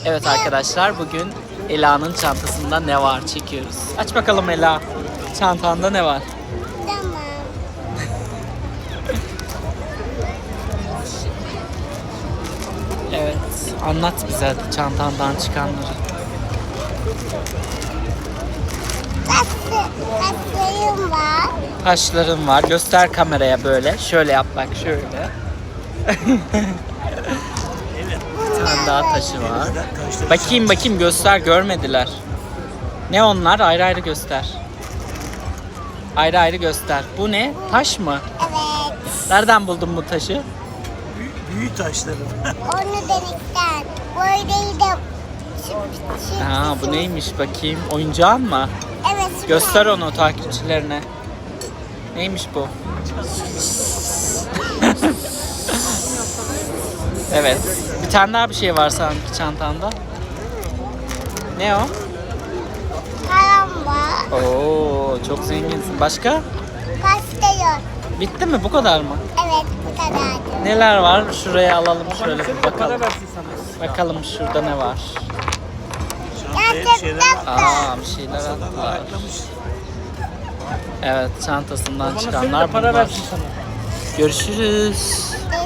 Evet arkadaşlar, bugün Ela'nın çantasında ne var çekiyoruz. Aç bakalım Ela. Çantanda ne var? Tamam. Evet. Anlat bize hadi çantandan çıkanları. Kaslarım var. Taşların var. Göster kameraya böyle. Şöyle yap bak şöyle. Bir tane daha taşı var. Bakayım göster, görmediler. Ne onlar? Ayrı ayrı göster. Ayrı ayrı göster. Bu ne? Taş mı? Evet. Nereden buldun bu taşı? Büyük taşların. Onu delikten. Böyleyi de Ha, bu neymiş bakayım? Oyuncağın mı? Evet. Göster onu takipçilerine. Neymiş bu? Evet. Bir tane daha bir şey var sanki çantanda. Ne o? Param var. Oo, çok zenginsin. Başka? Pasta yok. Bitti mi? Bu kadar mı? Evet, bu kadardı. Neler var? Şuraya alalım şöyle bir bakalım. Bakalım şurada ne var? Çantaya bir şeyler Gerçekten de. Aa, bir şeyler attılar. Evet, çantasından çıkanlar bunlar. Görüşürüz.